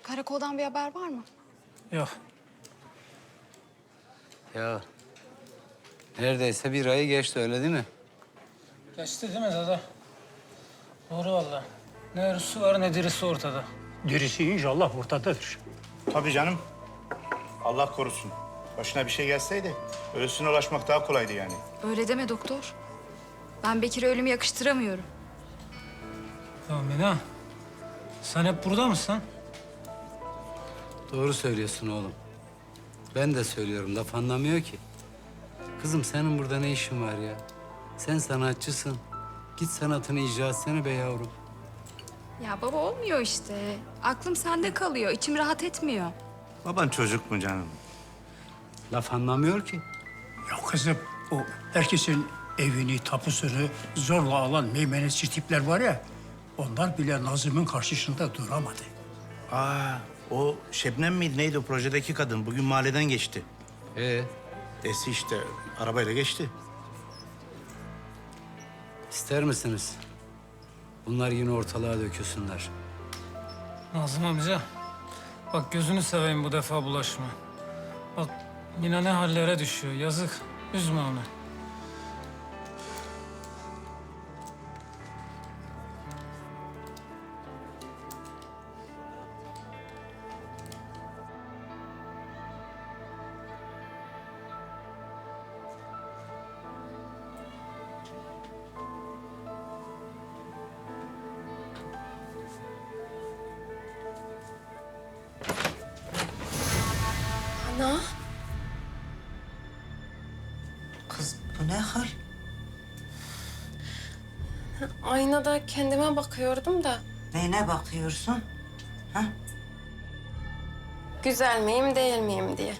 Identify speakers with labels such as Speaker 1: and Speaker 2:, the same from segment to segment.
Speaker 1: Karakoldan bir haber var mı?
Speaker 2: Yok.
Speaker 3: Ya neredeyse bir ayı geçti öyle değil mi?
Speaker 2: Geçti değil mi dede? Doğru vallahi. Ne ölüsü var ne dirisi ortada.
Speaker 4: Dirisi inşallah ortadadır.
Speaker 5: Tabii canım. Allah korusun. Başına bir şey gelseydi ölüsüne ulaşmak daha kolaydı yani.
Speaker 1: Öyle deme doktor. Ben Bekir'e ölümü yakıştıramıyorum.
Speaker 2: Ya Mina, sen hep burada mısın?
Speaker 3: Doğru söylüyorsun oğlum. Ben de söylüyorum, laf anlamıyor ki. Kızım senin burada ne işin var ya? Sen sanatçısın. Git sanatını icra etsene be yavrum.
Speaker 1: Ya baba olmuyor işte. Aklım sende kalıyor. İçim rahat etmiyor.
Speaker 5: Baban çocuk mu canım?
Speaker 3: Laf anlamıyor ki.
Speaker 4: Ya kızım o herkesin evini, tapusunu zorla alan meymenetçi tipler var ya... ...onlar bile Nazım'ın karşısında duramadı.
Speaker 5: Aa, o Şebnem miydi neydi o projedeki kadın? Bugün mahalleden geçti. Esi işte arabayla geçti.
Speaker 3: İster misiniz? Bunlar yine ortalığa dökülsünler.
Speaker 2: Nazım amca, bak gözünü seveyim bu defa bulaşma. Bak yine ne hallere düşüyor, yazık. Üzme onu.
Speaker 6: Ana,
Speaker 7: Kız bu ne hal?
Speaker 6: aynada kendime bakıyordum da
Speaker 7: Neyine bakıyorsun? Ha?
Speaker 6: güzel miyim değil miyim diye.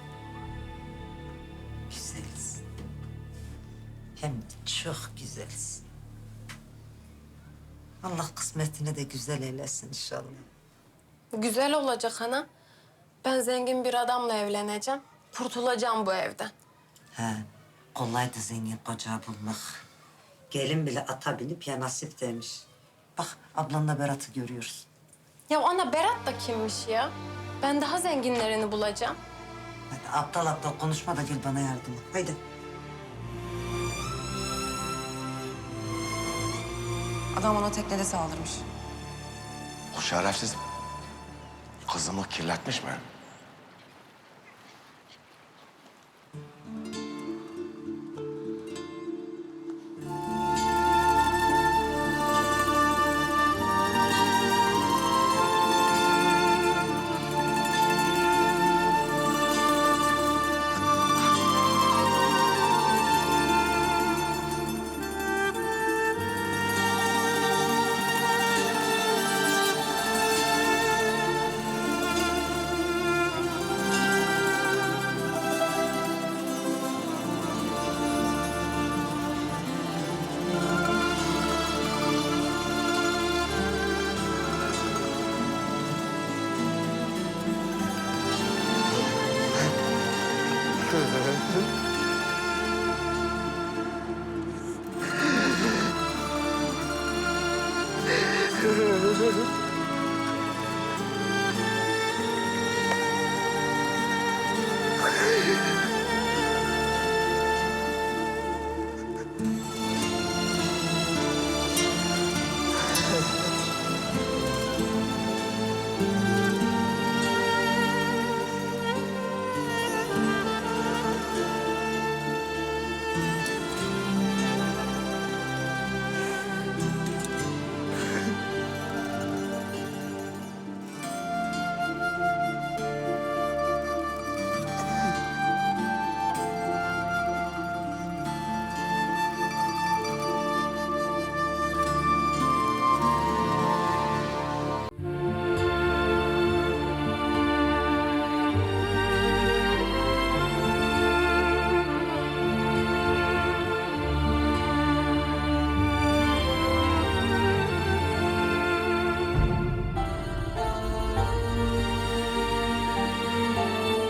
Speaker 7: Güzelsin. Hem de çok güzelsin. Allah kısmetini de güzel eylesin inşallah.
Speaker 6: Güzel olacak ana. Ben zengin bir adamla evleneceğim. Kurtulacağım bu evden.
Speaker 7: He, kolaydı zengin koca bulmak. Gelin bile ata binip ya nasip demiş. Bak ablanla Berat'ı görüyoruz.
Speaker 6: Ya ana Berat da kimmiş ya? Ben daha zenginlerini bulacağım.
Speaker 7: Hadi aptal aptal konuşma da gel bana yardım et. Haydi.
Speaker 8: Adam ona teknede saldırmış.
Speaker 9: O şerefsiz kızımı kirletmiş mi?